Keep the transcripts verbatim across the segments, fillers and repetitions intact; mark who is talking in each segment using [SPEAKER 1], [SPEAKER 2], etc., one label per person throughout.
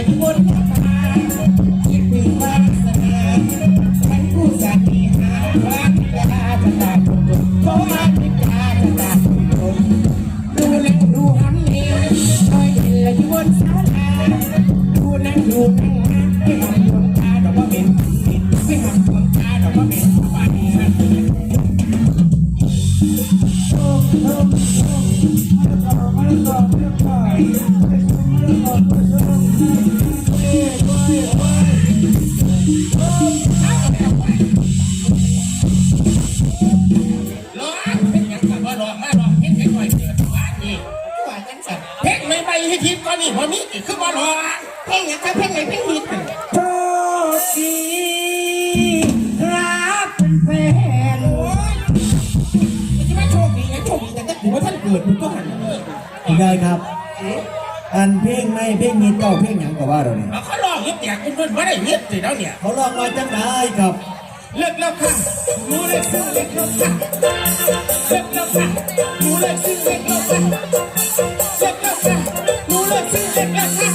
[SPEAKER 1] ที่บนฟ้าคิดถึงบ้านสนามฉันผู้สัตย์ที่หาว่าจะตาจะตาคนจนเพราะว่าจะตาจะตาคนจนดูแลดูหันเหคอยเห็นเลยที่บนศาลาดูนั่งดูนั่งนะไม่หันดวงตาดอกว่าเป็นผิดไม่หันดวงตาดอกว่าเป็นบาดนะโอ้โอ้ให้ทิพย์ก็นี่พอมีอีกคือว่าหรอเพลงอย่างกับเพลงไหนเพลงฮิตโชคดีครับเป็นแฟนโอ้ยไม่ใช่ว่าโชคดีนะโชคดีแต่ถ้าถือว่าท่านเกิดมันก็หันเลย
[SPEAKER 2] คุณยายครับอันเพลงในเพลงนี้เก้าเพลงอย่างกับว่าเราเนี่ย
[SPEAKER 1] เขาลองยึดแจกเพื่อนไม่ได้ยึดสิแล้วเนี่ย
[SPEAKER 2] เขาลองมาจังได้ครับ
[SPEAKER 1] เลิกแล้วค่ะมูเลิกซึ่งเลิกแล้วค่ะเลิกแล้วค่ะมูเลิกซึ่งเลิกแล้วค่ะเลิกแล้วค่ะมูเลิกซึ่งเลิกแล้วค่ะ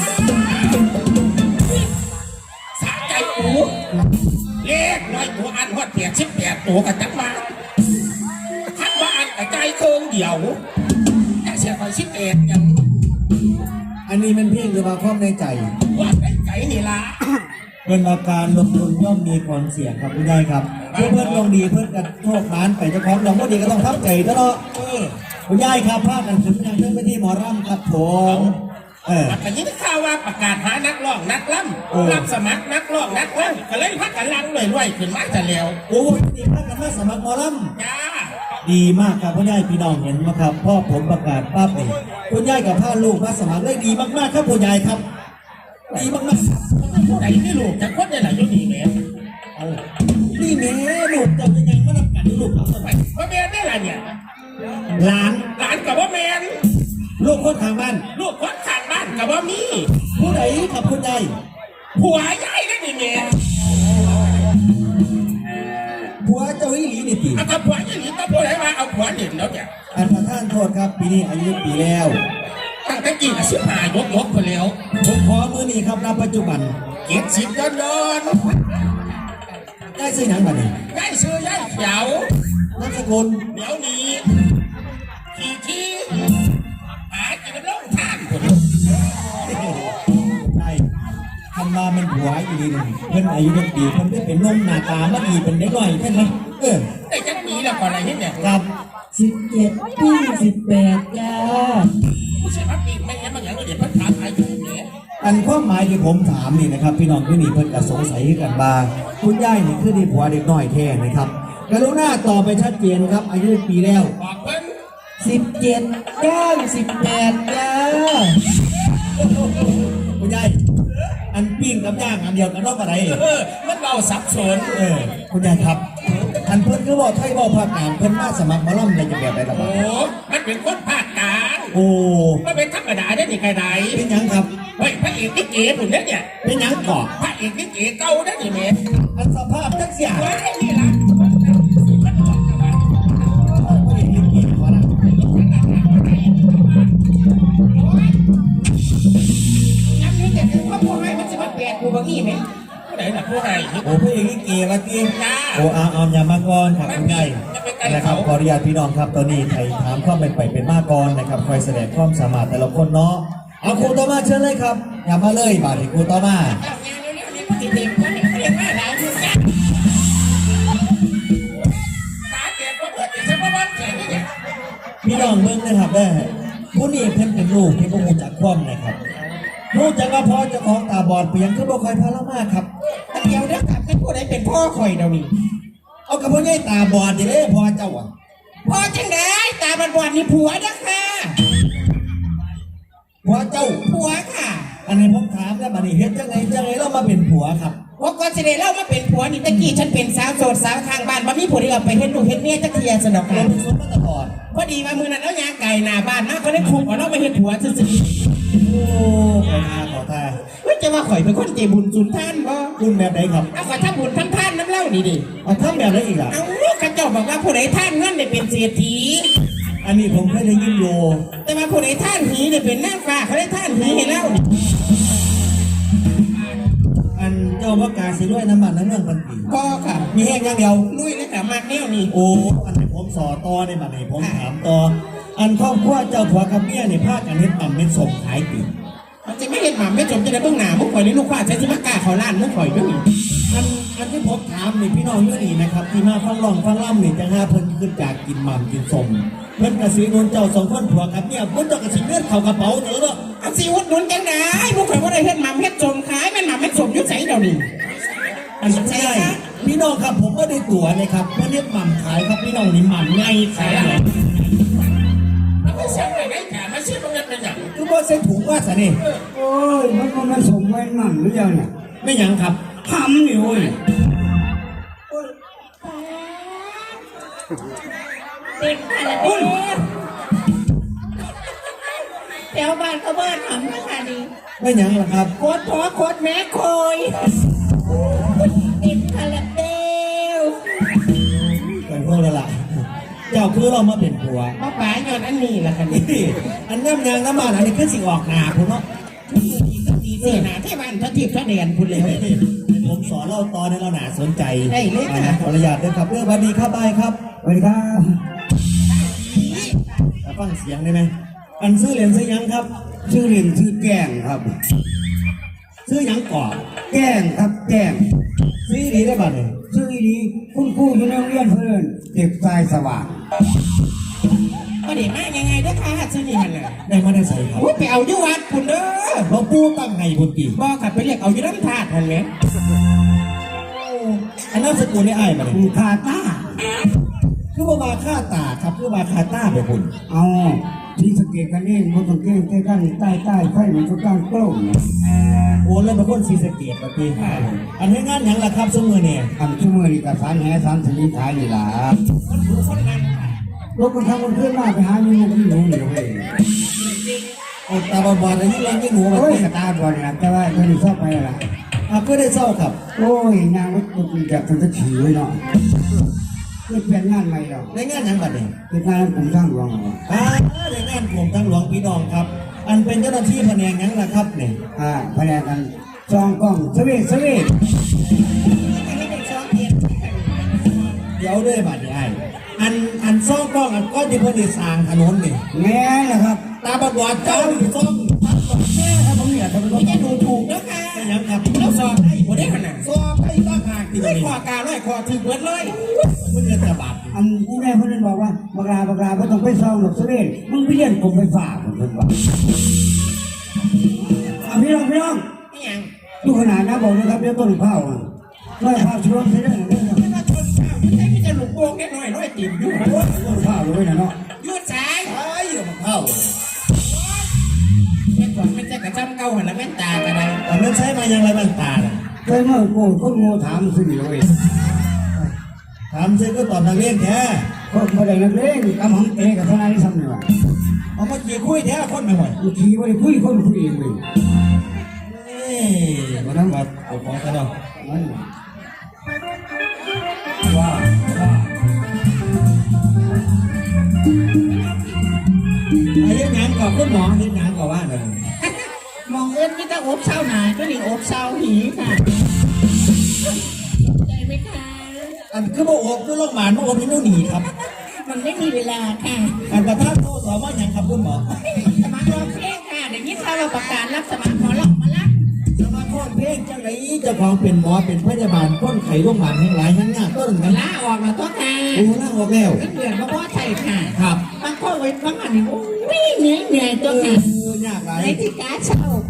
[SPEAKER 1] สะใจอูเล็กน้อยตัวอันหอดเปียกชิบแปดตัวกันจังมาทัดว่าอันกระจายเครื่องเดี่ยวแต่เสียไปชิบแปดยัง
[SPEAKER 2] อันนี้มันเพลงหรือว่าความในใจ
[SPEAKER 1] ว่าในใจนี่ล่ะ
[SPEAKER 2] เป็นอาการลงทุนย่อมมีความเสี่ยงครับคุณยายครับเพื่อนเพื่อนลงดีเพื่อนกันโชคร้านไปเจ้าของลงก็ดีก็ต้องทับใจตลอดคุณยายครับพากันถึงงานเพื่อนไปที่หมอรำครับผมเออ
[SPEAKER 1] แต่ยิ่งข่าวว่าประกาศหานักร้องนักล่ำรับสมัครนักร้องนักล่ำก็เลยพักกันลังเลยด้วยขึ้นมาจะแล้ว
[SPEAKER 2] โอ้ยดีมากกันมาสมัครหมอร
[SPEAKER 1] ำจ้า
[SPEAKER 2] ดีมากครับคุณยายพี่น้องเห็นไหมครับพ่อผมประกาศปั๊บเองคุณยายกับพ่อลูกมาสมัครได้ดีมากๆครับคุณยายครับดีมากๆ
[SPEAKER 1] ผู้ใดที่ลูกจะคดได้หลายยุดีแม่
[SPEAKER 2] นี่แม่ลูกจะยังไม่รับกันลูกเอาสมัย
[SPEAKER 1] ว่าแม่ได้ไรเนี่ย
[SPEAKER 2] หลาน
[SPEAKER 1] หลานกับว่าแม่
[SPEAKER 2] ลูกคนทางบ้าน
[SPEAKER 1] ลูกคนทางบ้านกับว่ามี
[SPEAKER 2] ผู้ใดกับผู้ใด
[SPEAKER 1] ผัวใหญ่ได้ดิแม่
[SPEAKER 2] ผัวเจ้าอีหลีนี่ตี
[SPEAKER 1] เอากับผัวอีหลีต้องผัวไหนมาเอาผัวเด่นแล้วเนี่ย
[SPEAKER 2] อันประท่านโทษครับปีนี้อายุปีแล้ว
[SPEAKER 1] ตั้งแต่กี่สิบห้ายกยกไปแล้ว
[SPEAKER 2] ผมขอมือนี้ครับณปัจจุบัน
[SPEAKER 1] เก็บสิบย้อนย้อน
[SPEAKER 2] ได้ซื้อหนังบัดนี้
[SPEAKER 1] ได้ซื้อย่ายเขียว
[SPEAKER 2] นักสกุล
[SPEAKER 1] เดี๋ยวนี้ขี่ที่หากินน้ำล่องท่าน
[SPEAKER 2] ใช่ทำมามันผัวอีหลีนึงเพิ่นอายุเป็นปีเพิ่นได้เป็นนมหน้าตาไม่ดีเป็นเด็กน้อยใช่ไหมเออ
[SPEAKER 1] ได้จักปีแล้วก่อนอะไรเนี่ย
[SPEAKER 2] ครับสิบเจ็ดปีสิบแปดจ้า
[SPEAKER 1] ผู้ชายพักปีไม่เห็นบางอย่างก็เดี๋ยวพักถามอายุเนี่ย
[SPEAKER 2] อันความหมายที่ผมถามนี่นะครับพี่น้องที่นี่เพิ่นก็สงสัยกันบ้างคุณย่ายนี่คือดีผัวเด็กน้อยแท้นะครับกรุณาตอบไปชัดเจนครับอายุปีแล้ว
[SPEAKER 1] บอกเพิ่น
[SPEAKER 2] สิบเจ็ดย่างสิบแปดจ้าคุณย่ายอันปิ้งกับย่างอันเดียวกันรอบอะไร
[SPEAKER 1] มันเราสับสน
[SPEAKER 2] เออคุณย่ายครับอันเพิ่นคือบอกไทยบอกภาคกลางเพิ่นมาสมัครมาล่ำในจังหวัดใดล่ะครับ
[SPEAKER 1] โอ้มันเป็นคนภาคกลาง
[SPEAKER 2] โอ้
[SPEAKER 1] มันเป็นธรรมดาได้ยังไงไหน
[SPEAKER 2] เป็นยังครับ
[SPEAKER 1] เฮ้ยพระเอกนี่เก๋ผมเนี่ยเนี่ย
[SPEAKER 2] เป็นยังก่อ
[SPEAKER 1] พระเอกนี่เก๋เก่าได้ยังไง
[SPEAKER 2] อันสภาพจักเสีย
[SPEAKER 1] ว่าได้นี่ล่ะยังนี่แต่ถึงว่าพวกให้มันจะมาแปลกกูบางทีไหมไหนล่ะผู้ให้
[SPEAKER 2] โอ้ผู้เอกนี่เก๋มาจริงโอ้อามอามยามากรครับคุณยายนะครับขออนุญาตพี่น้องครับตอนนี้ไทยถามความเป็นไปเป็นมากกรนะครับคอยแสดงความสามารถแต่ละคนเนาะเอาครูต่อมาเชิญเลยครับอย่ามาเลยบาดครูต่อมาพี่น้องเมืองนะครับได้ผู้นี้เพิ่นเป็นลูกที่พวกมูจักคว่ำนะครับรู้จักว่าพ่อจะของตาบอดเพียงคือบ่คอยพาละมาครับ
[SPEAKER 1] แต่เดียวเด็กกับเป็นผู้ใดเป็นพ่อคอยเดี๋ยวนี้
[SPEAKER 2] เอากับพ่อใหญ่ตาบอดดิเด้พ่อเจ้าอ่ะ
[SPEAKER 1] พ่อจังได้ตาบอดนี่ผัวนะค่ะ
[SPEAKER 2] ผัวเจ้า
[SPEAKER 1] ผัวค่ะ
[SPEAKER 2] อันนี้ผมถามแล้วบัดนี้เฮ็ดจังไงจังไงเรามาเป็นผัวครับ
[SPEAKER 1] ว่าก่อนจะได้เล่ามาเป็นผัวนี่ตะกี้ฉันเป็นสาวโสดสาวทางบ้านบ่มีผู้ใดเอาไปเฮ็ดลูกเฮ็ดเมียจักเทียสนอกกัน
[SPEAKER 2] สมมาตะบอด
[SPEAKER 1] พอดีว่ามื้อนั้นเอายางไก่หน้าบ้านมาก็ได้คุกเอาเราไปเฮ็ดผัวซื่อ
[SPEAKER 2] ๆโอ้ขอทาขอทา
[SPEAKER 1] ว่าจะว่าข่อยเป็นคนใจบุญสุนทานบ่
[SPEAKER 2] บุญแบบไหนครับ
[SPEAKER 1] เอาข่อยทำบุญทำทานน้ำเล่านี่ดิ
[SPEAKER 2] เอาทำแบบไหนอีกอ่ะ
[SPEAKER 1] เอากระเจ้าบอกว่าผู้ใดท่านเงินได้เป็นเศรษฐี
[SPEAKER 2] อันนี้ผมเคยได้ยินอยู่
[SPEAKER 1] แต่ว่าผู้ใดท่านหีได้เป็นนางฟ้าเขาได้ท่านหีให้เล่า
[SPEAKER 2] อันเจ้าว่ากาสิด้วยน้ำมันน้ำเมืองพันปี
[SPEAKER 1] ก็ค่ะ
[SPEAKER 2] มีแห้งอย่างเดียว
[SPEAKER 1] ลุยเลยค่ะมากแนวนี่
[SPEAKER 2] โอ้อันไหนผมสอต่อในบัดไหนผมถามต่ออันครอบครัวเจ้าผัวกับเมียในภาคกันเฮ็ดต่ำเม็ดสมขายปี
[SPEAKER 1] มันจะไม่เห็นหมาไม่จมจะได้เบื้องหน้ามุกข่อยนี่ลูกว่าใช้สิมากล้าเขาล้านมุกข่อยด้วยนี่
[SPEAKER 2] อันอันที่ผมถามนี่พี่น้องเยอะนี่นะครับที่มาฟังร้องฟังล่ำนี่จะหาเพิ่นขึ้นจากกินหม่ำกินสมเพิ่นกระสีนนเจ้าสองคนผัวกับเมียเพิ่นเจ้ากระสีเลือดเข้ากระเป๋าเถอะเนาะ
[SPEAKER 1] เอาสิวุฒนุนจังได้มุกข่อยว่าได้เฮ็ดหมาเฮ็ดจมขายแม่นหมาเฮ็ดสมยุ่ใส่เดี๋ยวนี้
[SPEAKER 2] อันนี้ไม่ได้พี่น้องครับผมก็ได้ตั๋วนะครับเพื่อเรียกหม่ำขายครับพี่น้องนี่หม่ำไงขายเหรอ
[SPEAKER 1] มันไม่ใช่ไหนได้ค่ะไม่ใช่ตรงนั้นเป็นอย่าง
[SPEAKER 2] คือว่าใส่ถุงว่าสะนี่
[SPEAKER 3] โอ้ยมันก็มาส่งไว้นั่นหรือยังเนี่ย
[SPEAKER 2] ไม่หยังครับ
[SPEAKER 3] ทำนี่โอ้ย
[SPEAKER 4] เด็กค่ะละเด็กแถวบ้านเขาเบิดหำนะคะนี่
[SPEAKER 2] ไม่หยังหรอกครับ
[SPEAKER 4] โคตรพ่อโคตรแม่โคยเด็กค่ะละเด็ก
[SPEAKER 2] เป็นพวกละล่ะเจ้าคือเรามาเป็นผัว
[SPEAKER 1] มาป๋าย้อนอันนี้ล่ะค่ะนี่
[SPEAKER 2] นี่อันน้ำยางน้ำมันอันนี้คือสิออกหนาผมเนาะ
[SPEAKER 1] ดีเสียหนาที่บ้านพระทิพย์พระแดนพูดเลย
[SPEAKER 2] ผมสอนเล่าตอนในเราหนาสนใจ
[SPEAKER 1] ได้เลยค่ะ
[SPEAKER 2] ขออนุญาตด้วยครับเรื่องบันดีครับบายครับ
[SPEAKER 3] สวัสดีครับ
[SPEAKER 2] ฟังเสียงได้ไหมอันซื้อเหรียญซื้อหยังครับ
[SPEAKER 3] ชื่อเรียนชื่อแก้งครับ
[SPEAKER 2] ซื้อหยังก่อน
[SPEAKER 3] แก้งครับแก้ง
[SPEAKER 2] ซื้อดีได้บัตรเลย
[SPEAKER 3] ชื่อนี้คุณครูอยู่ในโรงเรียนเพื่อนเด็กชายสว่าง
[SPEAKER 1] ก็เดี๋ยวมายังไงเด้อค่ะชื่อนี่มันน่ะ
[SPEAKER 2] ได้มาได้ใส่ครับ
[SPEAKER 1] อุ้ยไปเอาอยู่วัดคุณเด้อ
[SPEAKER 2] หลวงปู่ตั้งไงบุญปี
[SPEAKER 1] บอกขับไปเรียกเอาอยู่น้ำธาตุทันไหม
[SPEAKER 2] อันนั้นสกุลได้อ้ายมาเลย
[SPEAKER 3] คุณคาตา
[SPEAKER 2] คือว่ามาฆ่าตาครับคือว่าคาต้าไปคุณ
[SPEAKER 3] เอาที่สงเกตกันเองมันต้องเก่งใต้กันใต้ใต้ไฟมันก็ตั้งโกล้งเนี่ย
[SPEAKER 2] โอนแล้วเป็นคนศรีสะเกดปฏิอันนี้งานหยังล่ะครับสมือเนี่ย
[SPEAKER 3] ทำชั่วโมงนี่กับสารแห่สารสลิงขายนี่ล่ะ
[SPEAKER 1] คนดูคนนั้น
[SPEAKER 3] รถมันทำมันขึ้นมาไปหามีมันที่หนูเหนียวเลย
[SPEAKER 2] โอนตาบอดๆอันนี้แรงยิ่งหัวมา
[SPEAKER 3] โอ้ย
[SPEAKER 2] ตี
[SPEAKER 3] กระตาก่อนนะแต่ว่าเธอชอบไปละ
[SPEAKER 2] อ่ะก็ได้เศร้าครับ
[SPEAKER 3] โอ้ยนางมันมันจากทางตะขี่ไว้เนาะเพื่อเปลี่ยนงานใหม่เรา
[SPEAKER 2] ในงานหยังบัดเนี่ย
[SPEAKER 3] เป็นงานผมสร้างหลวงเหรอ
[SPEAKER 2] อ่าในงานกลุ่มทั้งหลวงพี่น้องครับ อันเป็นเจ้าหน้าที่แผนกหยังล่ะครับเนี่ย
[SPEAKER 3] อ่าแผนกกันซองกล้องสวีทสวีท
[SPEAKER 1] อันนี้เป็นซ้อมเทียน
[SPEAKER 2] เดี๋ยวด้วยบัดเนี่ยไอ้อันอันซ่องกล้องอันก้อนที่เพิ่นได้สร้างถนนนี่
[SPEAKER 3] แง่นะครับ
[SPEAKER 2] ตาบอดๆเจ้าอยู่ซ่อง
[SPEAKER 3] แง่ครับผมเนี่ยทำเป็น
[SPEAKER 1] ไม่จะดูถูกแล้วค่ะ
[SPEAKER 2] เป็นหยังครับ
[SPEAKER 1] แล้วสอบได้หมดได้ขนาด
[SPEAKER 2] ซ่องไปตั้งหากที่
[SPEAKER 1] ไม่
[SPEAKER 2] นี่
[SPEAKER 1] ขอการร้อยขอถือเบิดเลย
[SPEAKER 2] มันจะจะบาด
[SPEAKER 3] อันที่แม่เพื่อนบอกว่าบักลาบักลาไม่ต้องไปซองหรอกสวีทมึงไปเรียนผมไปฝากผมเพื่อนบอกอ่ะพี่น้องพี่น้อง
[SPEAKER 1] ไม่ยัง
[SPEAKER 3] ดูขนาดนะบอกนะครับเดี๋ยวต้นข้าวอ่ะต้นข้าวช่วยใช้ได้ไหมเนี่ย
[SPEAKER 1] ไม่ว่าชนข้าวไม่ใช่ไม่จะหลุกโป่งแค่น้อยร้อยติ่มอยู่
[SPEAKER 3] ต้นข้าวเลยนะเนาะ
[SPEAKER 1] ยืดสาย
[SPEAKER 2] ไอ้เดี๋ยวมันเข้า
[SPEAKER 1] แม่ก่อนไม่ใช่กระจำเก่าหันละแม่ตากันไร
[SPEAKER 2] แต่มันใช้มายังไรบ้างตาน่ะ
[SPEAKER 3] เคยเมื่อโกคนโง่ถามสิเลย
[SPEAKER 2] ถามซิก็ตอบนักเรียนแท้
[SPEAKER 3] คนมาได้นักเลงกำหังเตะกับทนายที่ทำเนี่ยวะ
[SPEAKER 2] เอามากี่คุยแท้คนไม่ไหว
[SPEAKER 3] บางทีว่าได้คุยคนคุยเองเลย
[SPEAKER 2] นี่มาทำบัตรปกครองซะเนาะ
[SPEAKER 3] นั่นว่าว่า
[SPEAKER 2] ไอ้เรื่องงานก่อนคุณหมอเรื่องงานก่อนว่าหน่อย
[SPEAKER 4] มองเอื้อนนี่ต้องอบเศร้าหนาก็นี่อบเศร้าหีค่ะใจไหมคะ
[SPEAKER 2] อันคือโมโอบคือโรคหมานโมโอบนี่นู่นหนีครับ
[SPEAKER 4] มันไม่มีเวลาค่ะ
[SPEAKER 2] อันประทับโทษสอบว่าอย่างครับคุณหมอ
[SPEAKER 4] สมัครร้องเพลงค่ะเดี๋ยวนี้ถ้าเราประกาศรับสมัครหมอลอกมาละ
[SPEAKER 2] สมาคมเพลงจังไรเจ้าของเป็นหมอเป็นพยาบาลก้นไข่โรคหมานแห่งหลายแห่งหน้าต้นกัน
[SPEAKER 4] ลาออกมาตัวค่ะ
[SPEAKER 2] โอ้ล่างออกแล้ว
[SPEAKER 4] เงินเดือนมาพ่อไทยค่ะ
[SPEAKER 2] ครับ
[SPEAKER 4] บางคนไว้บางอันนี่โอ้ยเหนื่อยเหนื่อยตัว
[SPEAKER 2] เอ
[SPEAKER 4] ค่ะ
[SPEAKER 2] อยากหลาย
[SPEAKER 4] ในที่การเช่า